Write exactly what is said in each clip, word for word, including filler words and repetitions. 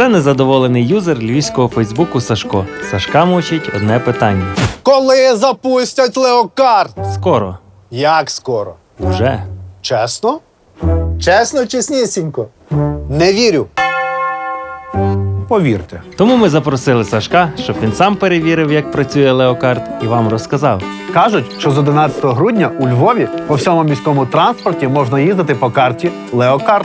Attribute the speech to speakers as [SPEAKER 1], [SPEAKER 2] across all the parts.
[SPEAKER 1] Це незадоволений юзер львівського фейсбуку Сашко. Сашка мучить одне питання.
[SPEAKER 2] Коли запустять леокарт?
[SPEAKER 1] Скоро.
[SPEAKER 2] Як скоро?
[SPEAKER 1] Уже.
[SPEAKER 2] Чесно? Чесно, чеснісінько? Не вірю.
[SPEAKER 3] Повірте.
[SPEAKER 1] Тому ми запросили Сашка, щоб він сам перевірив, як працює леокарт, і вам розказав.
[SPEAKER 3] Кажуть, що з одинадцятого грудня у Львові по всьому міському транспорті можна їздити по карті Леокарт.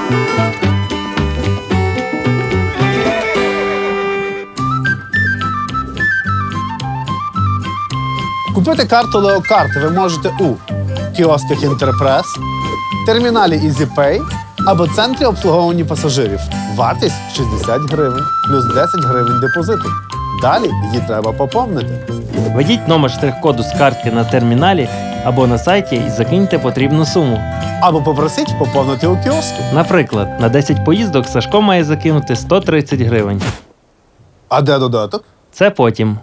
[SPEAKER 2] Купити карту леокарт ви можете у кіосках Інтерпрес, терміналі EasyPay або центрі обслуговування пасажирів. Вартість шістдесят гривень, плюс десять гривень депозиту. Далі її треба поповнити.
[SPEAKER 1] Введіть номер штрих-коду з картки на терміналі або на сайті і закиньте потрібну суму.
[SPEAKER 2] Або попросіть поповнити у кіоску.
[SPEAKER 1] Наприклад, на десять поїздок Сашко має закинути сто тридцять гривень.
[SPEAKER 2] А де додаток?
[SPEAKER 1] Це потім.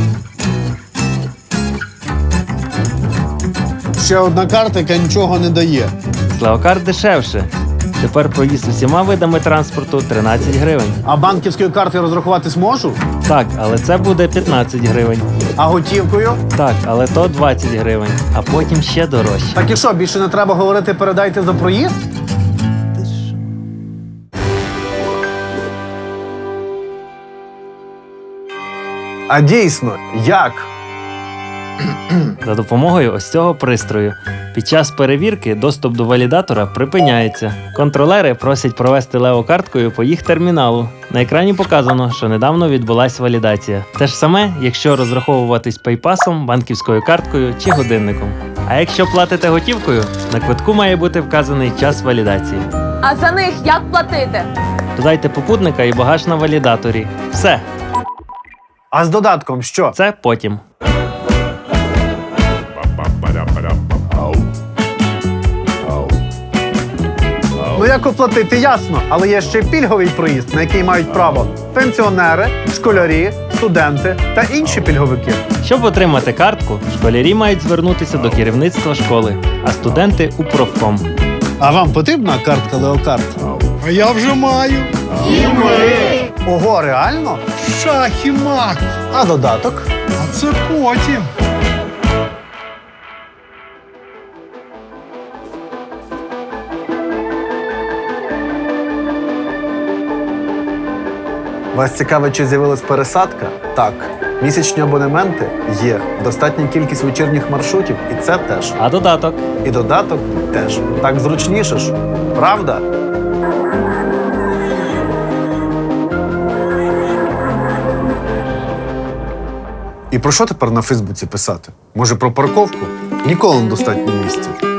[SPEAKER 2] Ще одна карта, яка нічого не дає.
[SPEAKER 1] З леокарт дешевше. Тепер проїзд усіма видами транспорту тринадцять гривень.
[SPEAKER 2] А банківською картою розрахуватись можу?
[SPEAKER 1] Так, але це буде п'ятнадцять гривень.
[SPEAKER 2] А готівкою?
[SPEAKER 1] Так, але то двадцять гривень, а потім ще дорожче.
[SPEAKER 2] Так і що, більше не треба говорити «передайте за проїзд»?
[SPEAKER 3] А дійсно, як?
[SPEAKER 1] За допомогою ось цього пристрою. Під час перевірки доступ до валідатора припиняється. Контролери просять провести леокарткою по їх терміналу. На екрані показано, що недавно відбулась валідація. Те ж саме, якщо розраховуватись пейпасом, банківською карткою чи годинником. А якщо платите готівкою, на квитку має бути вказаний час валідації.
[SPEAKER 4] А за них як платити?
[SPEAKER 1] Додайте попутника і багаж на валідаторі. Все,
[SPEAKER 3] А з додатком що?
[SPEAKER 1] це потім.
[SPEAKER 3] Ну як оплатити, ясно, але є ще пільговий проїзд, на який мають право пенсіонери, школярі, студенти та інші пільговики.
[SPEAKER 1] Щоб отримати картку, школярі мають звернутися до керівництва школи, а студенти – у профком.
[SPEAKER 2] А вам потрібна картка леокарт?
[SPEAKER 5] А я вже маю.
[SPEAKER 2] Ого, реально?
[SPEAKER 5] Шах і мат.
[SPEAKER 2] А додаток?
[SPEAKER 5] А це потім.
[SPEAKER 3] Вас цікавить, чи з'явилась пересадка? Так. Місячні абонементи є. Достатня кількість вечірніх маршрутів, і це теж.
[SPEAKER 1] А додаток?
[SPEAKER 3] І додаток теж. Так зручніше ж. Правда? І про що тепер на Фейсбуці писати? Може, про парковку? Ніколи не достатньо місця.